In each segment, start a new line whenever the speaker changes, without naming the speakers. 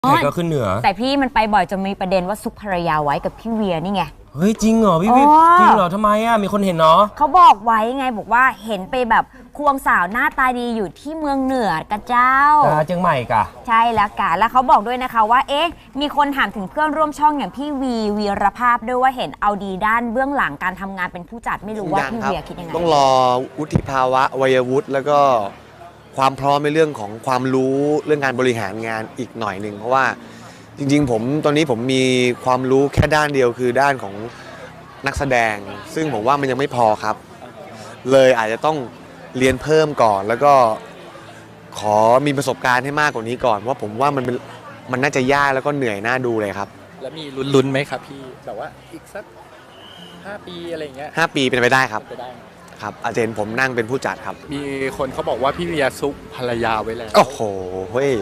ใครก็ขึ้นเหนือ
แต่พี่มันไปบ่อยจนมีประเด็นว่าซุกภรรยาไว้กับพี่เวียนี่ไง
เฮ้ยจริงเหรอพี่วิจริงเหรอทำไมอ่ะมีคนเห็นเนาะ
เขาบอกไว้ไงบอกว่าเห็นไปแบบควงสาวหน้าตาดีอยู่ที่เมืองเหนือกะเจ้า
เชียงใหม่กะ
ใช่แล้วกะแล้วเขาบอกด้วยนะคะว่าเอ๊ะมีคนถามถึงเพื่อนร่วมช่องอย่างพี่วีรภาพด้วยว่าเห็นเอาดีด้านเบื้องหลังการทำงานเป็นผู้จัดไม่รู้ว่าพี่เวียคิดยังไง
ต้องรอวุฒิภาวะวัยวุฒิแล้วก็ความพร้อมในเรื่องของความรู้เรื่องการบริหารงานอีกหน่อยหนึ่งเพราะว่าจริงๆผมตอนนี้ผมมีความรู้แค่ด้านเดียวคือด้านของนักแสดงซึ่งผมว่ามันยังไม่พอครับเลยอาจจะต้องเรียนเพิ่มก่อนแล้วก็ขอมีประสบการณ์ให้มากกว่านี้ก่อนเพราะผมว่ามันน่าจะยากแล้วก็เหนื่อยน่าดูเลยครับ
แล้วมีลุ้นๆไหมครับพี่แบบว่าอีกสัก5 ปีอะไรอย่างเงี้ย
5 ปีเป็นไปได้ครับ
ไปได้
ครับอาจารย์ผมนั่งเป็นผู้จัดครับ
มีคนเขาบอกว่าพี่เวียซุกภรรยาไว้แล้ว
โอ้โหเฮ้ย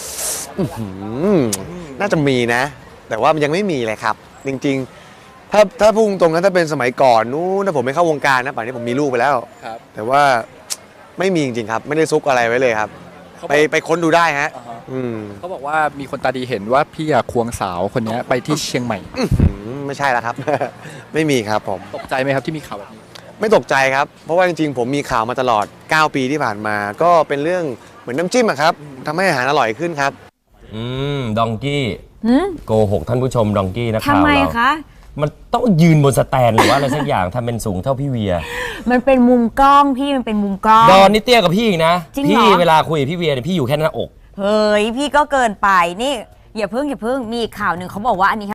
น่าจะมีนะแต่ว่ามันยังไม่มีเลยครับจริงๆถ้าพูดตรงๆนะถ้าเป็นสมัยก่อนนู้นถ้าผมไม่เข้าวงการนะป่านนี้ผมมีลูกไปแล้ว
ครับ
แต่ว่าไม่มีจริงๆครับไม่ได้ซุกอะไรไว้เลยครับไปค้นดูได้ฮะ
เขาบอกว่ามีคนตาดีเห็นว่าพี่ควงสาวคนนี้ไปที่เชียงใหม่
ไม่ใช่แล้วครับ ไม่มีครับผม
ตกใจไหมครับที่มีข่าวแบบนี้
ไม่ตกใจครับเพราะว่าจริงๆผมมีข่าวมาตลอด9 ปีที่ผ่านมาก็เป็นเรื่องเหมือนน้ำจิ้มอะครับทำให้อาหารอร่อยขึ้นครับ
ดองกี้โกหกท่านผู้ชมดองกี้นะข่าวเรา
ทำไมคะ
มันต้องยืนบนสแตนหรือว่าอะไรสักอย่างทำเป็นสูงเท่าพี่เวีย
มันเป็นมุมกล้องพี่มันเป็นมุมกล้อง
ดอนนี่เตี้ยกับพี่อีกนะ
พี่
เวลาคุยกับพี่เวียเนี่ยพี่อยู่แค่หน้าอก
เฮ้ยพี่ก็เกินไปนี่อย่าเพิ่งมีข่าวหนึ่งเขาบอกว่าอันนี้